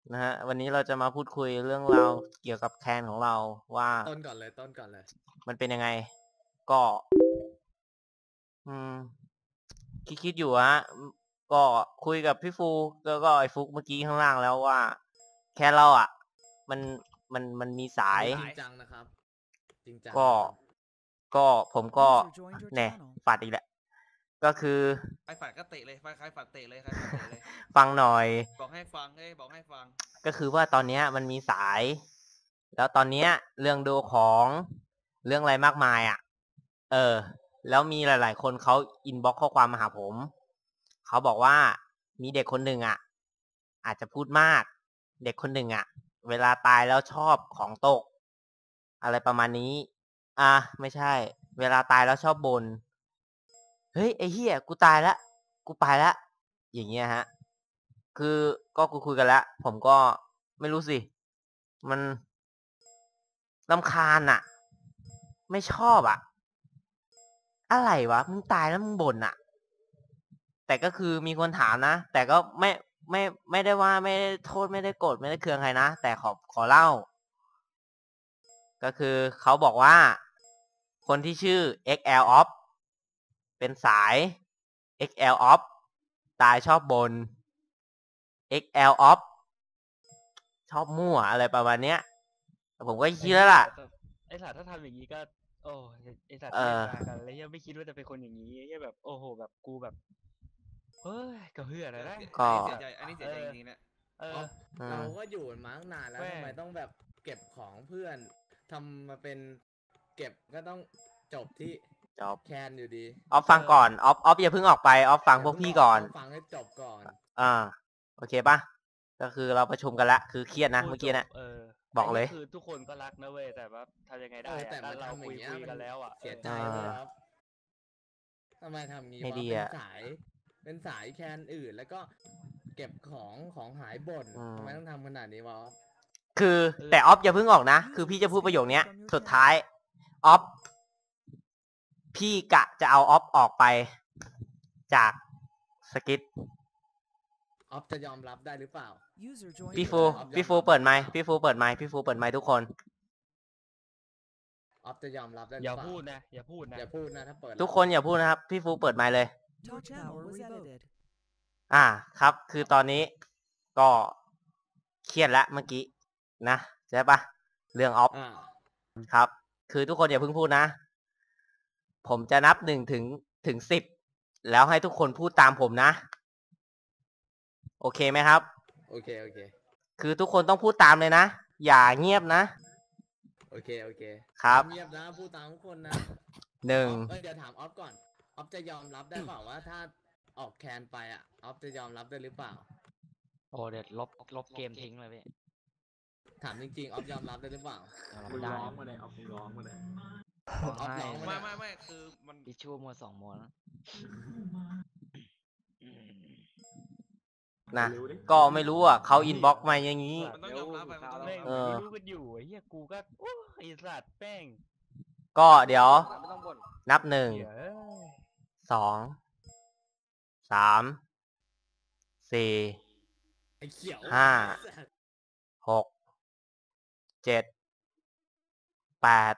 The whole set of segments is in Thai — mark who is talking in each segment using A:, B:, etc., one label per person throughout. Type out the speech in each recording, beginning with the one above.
A: นะฮะวันนี้เราจะมาพูดคุยเรื่องราวเกี่ยวกับแคนของเราว่า
B: ต้นก่อนเลย
A: มันเป็นยังไง ก็อืมคิดอยู่ฮะก็คุยกับพี่ฟูแล้วก็ไอ้ฟุกเมื่อกี้ข้างล่างแล้วว่า แคนเราอ่ะ มันมีสาย
B: จริงจังนะครับจริงจัง
A: ก็ผมก็เนี่ยฝัดอีกแหละก็คือ
C: ใครฝันก็เตะเลยใครฝันเตะเลยใครฝันเตะเลย
A: ฟังหน่อย
C: บอกให้ฟังบอกให้ฟัง
A: ก็คือว่าตอนนี้มันมีสาย แล้วตอนนี้เรื่องดูของเรื่องอะไรมากมายอ่ะแล้วมีหลายๆคนเขาอินบ็อกข้อความมาหาผมเขาบอกว่ามีเด็กคนหนึ่งอ่ะอาจจะพูดมากเด็กคนหนึ่งอ่ะเวลาตายแล้วชอบของตกอะไรประมาณนี้ไม่ใช่เวลาตายแล้วชอบบ่นเฮ้ยไอ้เหี้ยกูตายแล้วกูไปแล้วอย่างเงี้ยฮะคือก็คุยกันแล้วผมก็ไม่รู้สิมันรำคาญอ่ะไม่ชอบอ่ะอะไรวะมึงตายแล้วมึงบ่นอ่ะแต่ก็คือมีคนถามนะแต่ก็ไม่ได้ว่าไม่ได้โทษไม่ได้โกรธไม่ได้เคืองใครนะแต่ขอเล่าก็คือเขาบอกว่าคนที่ชื่อ XL Off เป็นสาย XL Off ตายชอบบ่น XL Off ชอบมั่วอะไรประมาณเนี้ยผมก็คิดแล้วล่ะ
D: ไอสัตว์ถ้าทำอย่างนี้ก็โอ้ไอสัตว์เล่นมากันแล้วยังไม่คิดว่าจะเป็นคนอย่างนี้ยังแบบโอ้โหแบบกูแบบเฮ้ยก็เพื่ออะไรนะ
A: ก็
C: อันนี้เสียใจจริงๆนะ
B: เราก็อยู่มาตั้งนานแล้วทำไมต้องแบบเก็บของเพื่อนทำมาเป็นเก็บก็ต้องจบที่แคนอยู่ดี
A: ออฟฟังก่อนออฟอย่าเพิ่งออกไปออฟฟังพวกพี่ก่อน
B: ฟังให้จบก่อน
A: โอเคป่ะก็คือเราประชุมกันละคือเครียดนะเมื่อกี้นะบอกเลย
D: คือทุกคนก็รักนะเว้ยแต่ว่าทำยังไงได้
B: แต่
D: เราคุยกันแล้วอ่ะ
B: เสียใจเลยครับทำไมทำงี้วะเป็นสายแคนอื่นแล้วก็เก็บของหายบ่นทำไมต้องทำขนาดนี้วะ
A: คือแต่ออฟอย่าเพิ่งออกนะคือพี่จะพูดประโยคนี้สุดท้ายออฟพี่กะจะเอาออฟออกไปจากสกิท
B: ออฟจะยอมรับได้หรือเปล่า
A: พี่ฟูเปิดไมค์พี่ฟูเปิดไมค์ทุกคน
B: ออฟจะยอมรับได้หรือ
D: เปล่า
B: อย่าพูด
D: นะ
B: ถ้าเปิด
A: ทุกคนอย่าพูดนะครับพี่ฟูเปิดไมค์เลยครับคือตอนนี้ก็เครียดแล้วเมื่อกี้นะใช่ปะเรื่องออฟครับคือทุกคนอย่าเพิ่งพูดนะผมจะนับ1 ถึง 10แล้วให้ทุกคนพูดตามผมนะโอเคไหมครับ
B: โอเค
A: คือทุกคนต้องพูดตามเลยนะอย่าเงียบนะ
B: โอเค
A: ครับ
B: เงียบนะพูดตามทุกคนนะ
A: 1
B: เดี๋ยวถามออฟก่อนออฟจะยอมรับได้เปล่าว่าถ้าออกแคนไปออฟจะยอมรับได้หรือเปล่า
D: โอ้เดี๋ยวลบเกมทิ้งเลยพี่
B: ถามจริงๆออฟยอมรับได้หรือเปล่า
C: ร้องมาเลยออฟร้องมาเลยไม่คือมัน
D: ดิชั่วมัว2 โมง
A: นะก็ไม่รู้อ่ะเขาอินบ็อกมาอย่างนี้
C: ต้องยอมรับไป
D: รู้กันอยู่เฮียกูก็โอ้ไอสัตว์แป้ง
A: ก็เดี๋ยวนับ1 2 3 4 5 6 7 8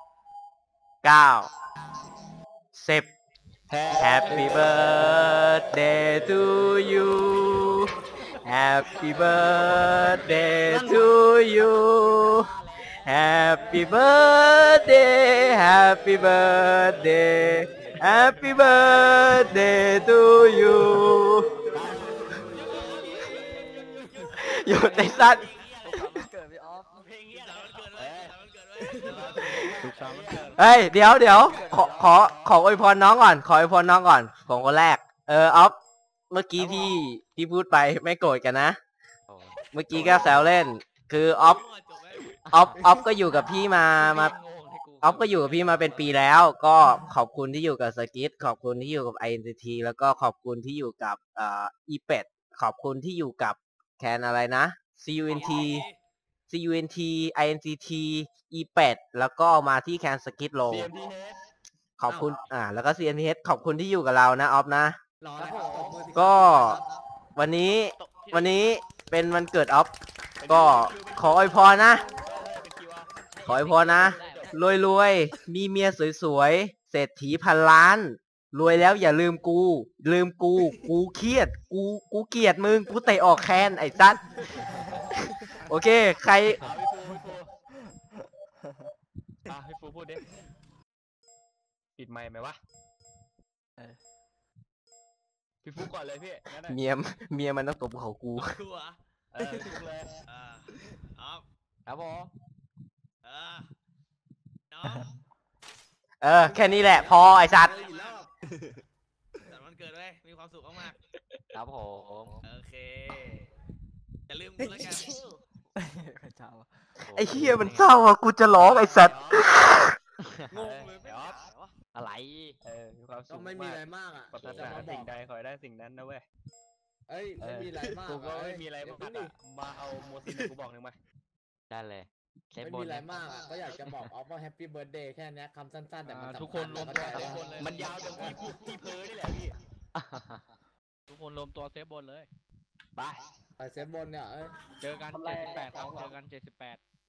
A: 9 10 Happy birthday to you Happy birthday to you Happy birthday Happy birthday Happy birthday to you หยุดไอ้สัตว์เฮ้ยเดี๋ยวขออวยพรน้องก่อนผมคนแรกออฟเมื่อกี้ที่พูดไปไม่โกรธกันนะเมื่อกี้ก็แซวเล่นคือออฟก็อยู่กับพี่มาออฟก็อยู่กับพี่มาเป็นปีแล้วก็ขอบคุณที่อยู่กับสกิทขอบคุณที่อยู่กับ INCT แล้วก็ขอบคุณที่อยู่กับอีเป็ดขอบคุณที่อยู่กับแคนอะไรนะ CUNT INCTอีเป็ดแล้วก็มาที่แคนสกิทโลขอบคุณแล้วก็ CNTH ขอบคุณที่อยู่กับเรานะออฟนะก็วันนี้เป็นวันเกิดออฟก็ขออวยพรนะ ขออวยพรนะ รวยๆ มีเมียสวยๆ เศรษฐีพันล้าน รวยแล้วอย่าลืมกู กูเครียด กูเกลียดมึง กูเตะออกแคนไอ้ซัดโอเค ใคร
D: พี่ฟูพูดดิปิดไมค์ไหมวะพี่ฟูก่อนเลยพี่งั้น
A: เมียมันต้องตบเขากู
C: กูเหรอ
D: ฟูเลย
C: น้อง
D: ครับผม
C: น้อง
A: แค่นี้แหละ พอไอ้สัตว์
C: แต่วันเกิดด้วยมีความสุขมาก
D: ครับผม
C: ๆโอเคอย่าลืมกูแล้วกัน
A: ไอ้เฮียมันเศร้าอ่ะ กูจะร้องไอ้สัตว์
C: งงเลยไม่ได้เหรอ
D: อะไรมีความสุ
B: ก็
D: ข
B: ไม่มีอะไรมากอ่ะ
D: ปรารถ
B: จะ
D: นา
B: มาบ
D: สิ่
B: อง ก
D: ใดขอให้ได้สิ่งนั้นนะเว้ย
B: เอ้ยไม่มีอะไรมาก
D: กูก็ไม่มีอะไร
B: เดี๋
D: มาย ก
B: ว
D: อะมาเอาโมซินกูบอกหนึ่งมาได้เลย
B: ไม่มีอะไรมากอ่ะก็อยากจะบอกออฟว่าแฮปปี้เบิร์ดเดย์แค่นี้คำสั้นๆแต่มันสำญ
C: ทุกคนรวมตัว
B: เข้า
C: เซ
B: ใจ
C: ฟบนเลย
D: มันยาวจนพี่เพ้อนี่แหละพี่
C: ทุกคนรวมตัวเซฟบนเลย
D: ไป
B: ไปเซฟบนเนี่ยเอ้ย
C: เจอกัน78ครับเจอกัน78